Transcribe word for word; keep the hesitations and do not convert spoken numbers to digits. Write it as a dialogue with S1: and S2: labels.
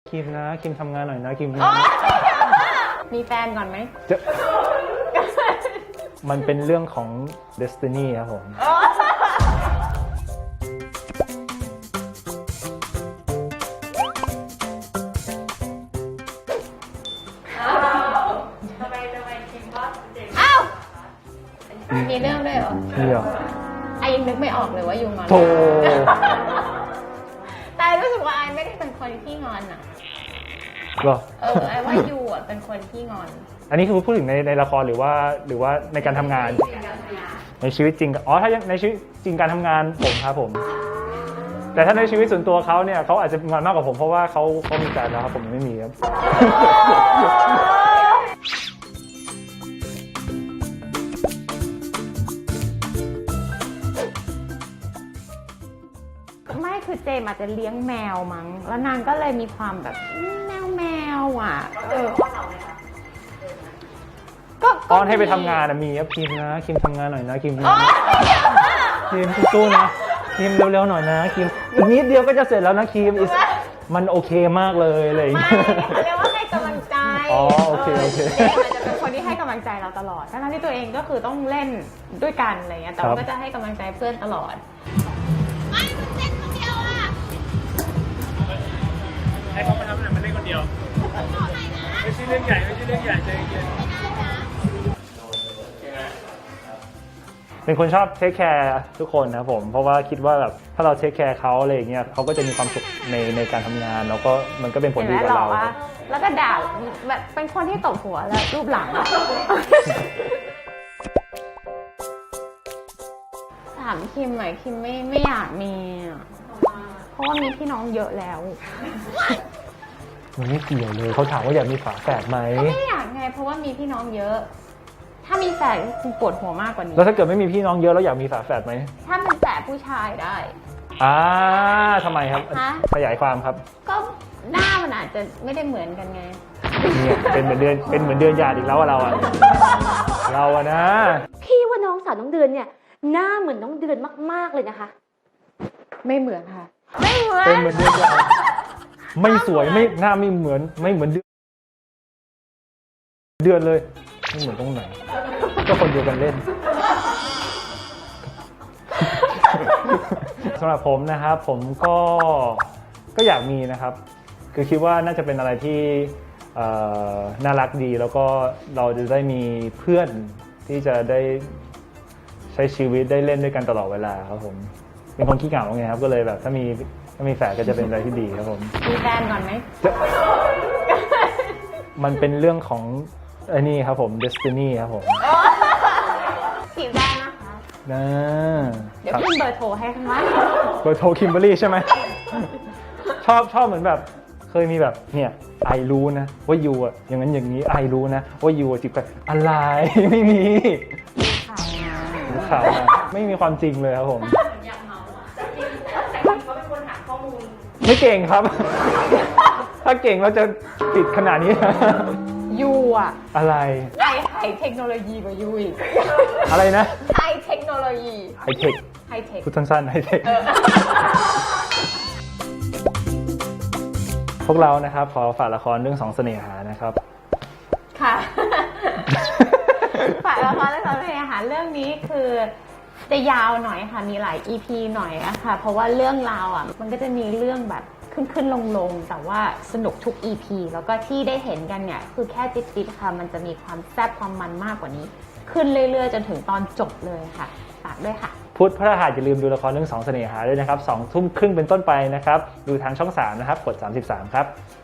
S1: คิมนะคิมทำงานหน่อยนะคิมนะ
S2: มีแฟนก่อนไหม
S1: มันเป็นเรื่องของ Destiny ครับผม
S3: ทำไมทำไมคิมว่าเจ๋ง
S2: อ้าวมีเรื่องด้วยเหรอ
S1: เดี๋ยว
S2: ไอยังนึกไม่ออกเลยว่ายูงอน
S1: โธ่
S2: แต่รู้สึกว่าไอไม่ได้เป็นคนที่งอนอ่ะ
S1: เหรอ
S2: เออไอว่ายูอ่ะเป็นคนที่งอน
S1: อันนี้คือพูดถึงในในละครหรือว่าหรือว่าในการทำงานในชีวิตจริงอ๋อถ้าในชีวิตจริงการทำงานผมครับผมแต่ถ้าในชีวิตส่วนตัวเขาเนี่ยเขาอาจจะงอนมากกว่าผมเพราะว่าเขาเขามีแฟนแล้วครับผมยังไม่มีครับ
S2: ไม่คือเจมอาจจะเลี้ยงแมวมั้งแล้วนางก็เลยมีความแบบแมวแมวอ่ะเออก็
S1: ตอนให้ไปทำงานมีครับคิมนะคิมทำงานหน่อยนะคิมนะคิมสู้ๆนะคิมเร็วๆหน่อยนะคิมอีกนิดเดียวก็จะเสร็จแล้วนะคิมมันโอเคมากเลยอะไรอย่าง
S2: ไม่
S1: เงี้ย
S2: เขาเรียกว่าให้กำลังใจ
S1: อ๋อโอเคโอเค
S2: เจมอาจจะเป็นคนที่ให้กำลังใจเราตลอดทั้งที่ตัวเองก็คือต้องเล่นด้วยกันอะไรเงี้ยแต่ว่าก็จะให้กำลังใจเพื่อนตลอดไม่คุณเล่นคนเดียวอ่ะ
S4: ให้เขามาทำหนังมันเล่นคนเดียวไม่ใช่เรื่องใหญ่ไม่ใช่เรื่องใหญ่ใจเย็น
S1: เป็นคนชอบเทคแคร์ทุกคนนะผมเพราะว่าคิดว่าแบบถ้าเราเทคแคร์เขาอะไรอย่างเงี้ยเขาก็จะมีความสุขในในการทำงานแล้วก็มันก็เป็นผลดีกับเรา
S2: แล้วก็ด่าแบบเป็นคนที่ตบหัวแล้วรูปหลังถามคิมหน่อยคิมไม่ไม่อยากมีอ่ะเพราะว่ามีพี่น้องเยอะแล้ว
S1: มันไม่เกี่ยวเลยเขาถามว่าอยากมีฝาแฝดไหม
S2: ไม่อยากไงเพราะว่ามีพี่น้องเยอะ ถ้ามีแฝดก็คงปวดหัวมากกว่านี้
S1: แล้วถ้าเกิดไม่มีพี่น้องเยอะแล้วอยากมีฝาแฝดไหม
S2: ถ้าเป็นแฝดผู้ชายได้
S1: อ่าทำไมครับ
S2: ฮะ
S1: ขยายความครับ
S2: ก็หน้ามันอาจจะไม่ได้เหมือนกันไง
S1: เนี่ยเป็นเหมือนเดือนเป็นเหมือนเดือนหยาดอีกแล้วอะเราอะเราอะนะ
S3: พี่ว่าน้องสาวน้องเดือนเนี่ยหน้าเหมือนน้องเดือนมากๆเลยนะคะ
S2: ไม่เหมือนค่ะ ไม่เหมือน
S1: เป็นเหมือนเดือนหยาดไม่สวยไม่หน้าไม่เหมือนไม่เหมือนเดือนเดือนเลยไม่เหมือนตรงไหนก็คนเดียวกันเล่น สำหรับผมนะครับผมก็ก็อยากมีนะครับคือคิดว่าน่าจะเป็นอะไรที่น่ารักดีแล้วก็เราจะได้มีเพื่อนที่จะได้ใช้ชีวิตได้เล่นด้วยกันตลอดเวลาครับผมเป็นคนขี้เหงาไงครับก็เลยแบบถ้ามีถ้ามีแฝดก็จะเป็นอะไรที่ดีครับผม
S2: มีแฟนก่อนไหม
S1: มันเป็นเรื่องของไอ้นี่ครับผม Destiny ครับผม
S2: จีบได้นะคะ
S1: นะ
S2: เดี๋ยวขึ้นเบอร์โทรให้ข้างล่าง
S1: เบอร์โทรคิมเบอร์รี่ใช่ไหม ชอบชอบเหมือนแบบเคยมีแบบเนี่ยไอรู้นะว่ายูอะอย่างนั้นอย่างนี้ไอรู้นะว่ายูจีบกันอะไร ไม่มีข่าวมาไม่มีความจริงเลยครับผมไม่เก่งครับ ถ้าเก่งเราจะติดขนาดนี้
S2: ยูอ่ะ
S1: อะไร
S2: ไอไฮเทคโนโลยีกว่ายูอีก
S1: อะไรนะ
S2: ไฮเทคโนโลยี
S1: ไฮเทค
S2: ไฮเทค
S1: พูดสั้นๆไฮเทค พวกเรานะครับขอฝากละครเรื่องสองเสน่หานะครับ
S2: ค่ะ ฝากละครเรื่องสองเสน่หาเรื่องนี้คือจะยาวหน่อยค่ะมีหลาย อี พี หน่อยอะค่ะเพราะว่าเรื่องราวอ่ะมันก็จะมีเรื่องแบบขึ้นขึ้นลงลงแต่ว่าสนุกทุก อี พี แล้วก็ที่ได้เห็นกันเนี่ยคือแค่ติดๆค่ะมันจะมีความแซ่บความมันมากกว่านี้ ขึ้นเรื่อยๆจนถึงตอนจบเลยค่ะฝากด้วยค่ะ
S1: พุธพฤหัสอย่าลืมดูละครเรื่องสองเสน่หาด้วยนะครับสองทุ่มครึ่งเป็นต้นไปนะครับดูทางช่องสามนะครับกดสามสิบสามครับ